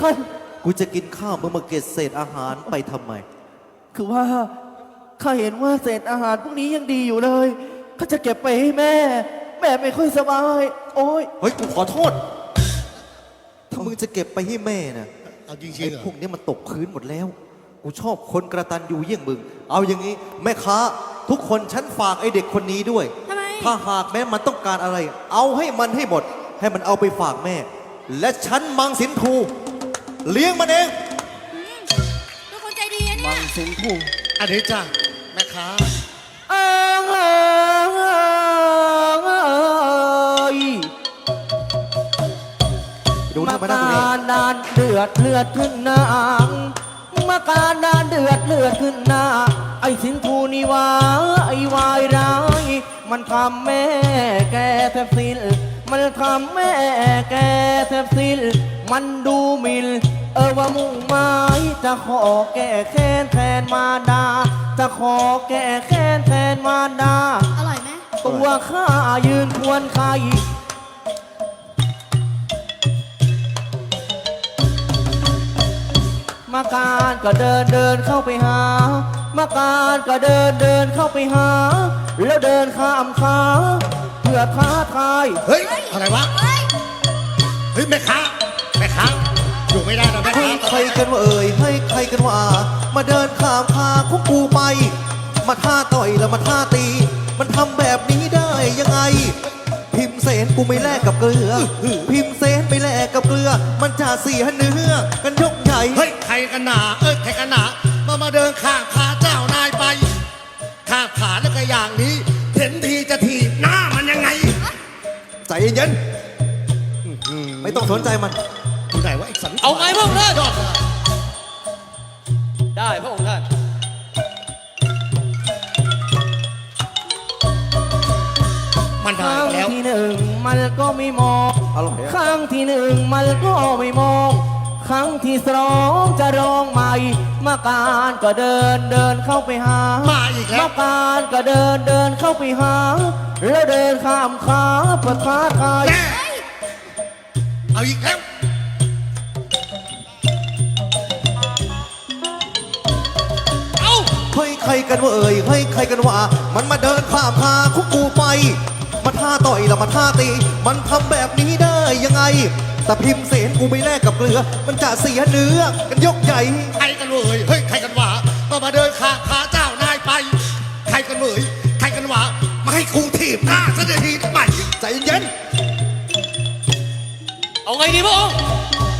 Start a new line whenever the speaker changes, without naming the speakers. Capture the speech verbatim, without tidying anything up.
ท่าน
กูจะกินข้าวมึงมาเก็บเศษอาหารไปทำไม
คือว่าข้าเห็นว่าเศษอาหารพวกนี้ยังดีอยู่เลยข้าจะเก็บไปให้แม่แม่ไม่ค่อยสบายโอ้ย
เฮ้ยกูขอโทษถ้ามึงจะเก็บไปให้แม่นะ
เอาจริงๆ
ไอ้พวกนี้มันตกพื้นหมดแล้วกูชอบคนกระตันยูเยี่ยงมึงเอาอย่างนี้แม่ค้าทุกคนฉันฝากไอ้เด็กคนนี้ด้วยถ้าหากแม้มันต้องการอะไรเอาให้มันให้หมดให้มันเอาไปฝากแม่และฉันมังสินทูเลี้ยงมันเอง
เป็นคนใจดีเนี่ย
มังสินทู
อันนี้จ้าแม่ค้า
ดูมาการดานเดือดเลือดขึ้นหน้ามาการดานเดือดเลือดขึ้นหน้าไอ้สินทูนี่วาไอ้วายร้ายมันทำแม่แกแทบสิ้นมันทำแม่แกแทบสิ้นมันดูหมิ่นเออว่ามุ่งหมายจะขอแก้แค้นแทนมารดาจะขอแก้แค้นแทนมารดา
อร่อยไหม
ตัวข้ายืนควรใครมาการก็เดินเดินเข้าไปหามาการก็เดินเดินเข้าไปหาแล้วเดินข้ามขาเพื่อท้าทาย
เฮ้ยอะไรวะเฮ้ยแม่ค้าแม่ค้าอยู่ไม่ได้นะแม่ค้า
ใครกันว่าเอ่ยให้ใครกันว่ามาเดินข้ามขาของกูไปมาท่าต่อยแล้วมาท่าตีมันทำแบบนี้ได้ยังไงพิมเสนกูไม่แลกกับเกลือพิมเสนไม่แลกกับเกลือมันจะเสียเนื้อกันยกใหญ่
เฮ้ยใครกันหนาเอ้ยใครกันหนามามาเดินข้างขาเจ้านายไปข้างขาแล้วก็อย่างนี้เห็นทีจะถีบหน้ามันยังไง
ใจเย็นไม่ต้องสนใจมัน
อยู่ไหนวะไอ้สัน
เอาไงพวกท่าน
ยอด
ได้พระองค์ท่าน
มันได้
ครั้ง
แล้ว
ที่หนึ่งมันก็ไม่มองครั้งที่หนึ่งมันก็ไม่มองครั้งที่สองจะร้องใหม่มาการก็เดินเดินเข้าไปหา
มาอีกแล้ว
มาการก็เดินเดินเข้าไปหาแล้วเดินข้ามขาเพื่อท้าทาย
เอาอีกแล้ว
เอาเฮ้ยใครกันว่าเอ่ยเฮ้ยใครกันว่ามันมาเดินข้ามขาคุกกูไปมาท่าต่อยแล้วมาท่าตีมันทำแบบนี้ได้ยังไงแต่พิมเสนกูไม่แลกกับเกลือมันจะเสียเนื้อกันยกใหญ่
ใครกันเลยเฮ้ยใครกันว่ามามาเดินข้างขาเจ้านายไปใครกันเลยใครกันว่ามาให้กูถีบหน้าซะทีทำไม
ใจเย็น
เอาไงดีพระองค์